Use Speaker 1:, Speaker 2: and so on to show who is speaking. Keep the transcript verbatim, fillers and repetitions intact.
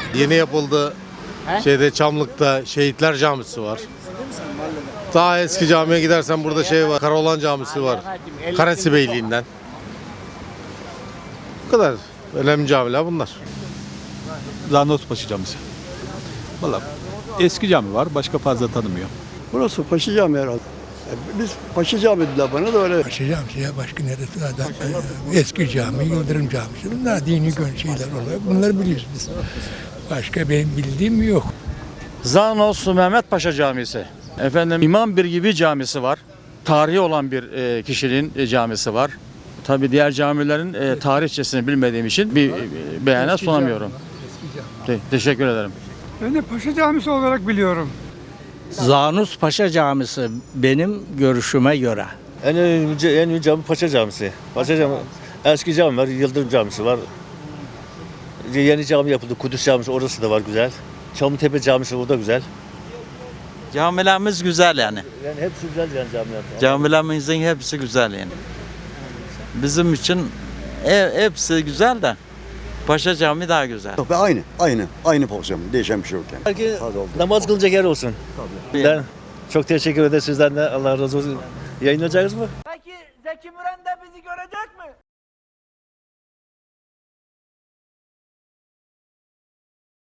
Speaker 1: Yeni yapıldı. Şeyde Çamlık'ta Şehitler Camisi var. Daha eski camiye gidersen burada şey var. Karaoğlan Camisi var. Karesi Beyliği'nden. Bu kadar. Önemli camiler bunlar.
Speaker 2: Zanlospaşa Camisi. Valla eski cami var, başka fazla tanımıyor.
Speaker 3: Burası Paşa Camii herhalde. Biz Paşa Camii dediler bana da öyle.
Speaker 4: Paşa Camisi ya başka neresi zaten e, eski cami, Yıldırım Camisi. Bunlar dini gön şeyler oluyor. Bunları biliyoruz biz. Başka benim bildiğim yok.
Speaker 5: Zanos Mehmet Paşa Camisi. Efendim İmam Bir gibi camisi var. Tarihi olan bir e, kişinin e, camisi var. Tabii diğer camilerin e, tarihçesini bilmediğim için bir e, beyanat sunamıyorum. Te- teşekkür ederim.
Speaker 6: Ben de Paşa Camisi olarak biliyorum.
Speaker 7: Zanus Paşa Camisi benim görüşüme göre.
Speaker 8: En önemli, en önemli cami Paşa Camisi. Paşa Cami, eski cami var, Yıldırım Camisi var. Yeni cami yapıldı, Kudüs Camisi orası da var güzel. Çamlıtepe Camisi o da güzel.
Speaker 9: Camilerimiz güzel yani.
Speaker 8: Yani hepsi güzel yani camiler.
Speaker 9: Camilerimizin hepsi güzel yani. Bizim için e, hepsi güzel de Paşa Camii daha güzel.
Speaker 3: Yok be aynı, aynı, aynı pozisyon. Değişen bir şey yok yani.
Speaker 8: Belki
Speaker 3: Hadi oldu.
Speaker 8: namaz kılınacak yer olsun.
Speaker 9: Tabii.
Speaker 8: Ben çok teşekkür ederim sizden de. Allah razı olsun. Yayınlayacağız mı?
Speaker 10: Peki Zeki Müren de bizi görecek mi?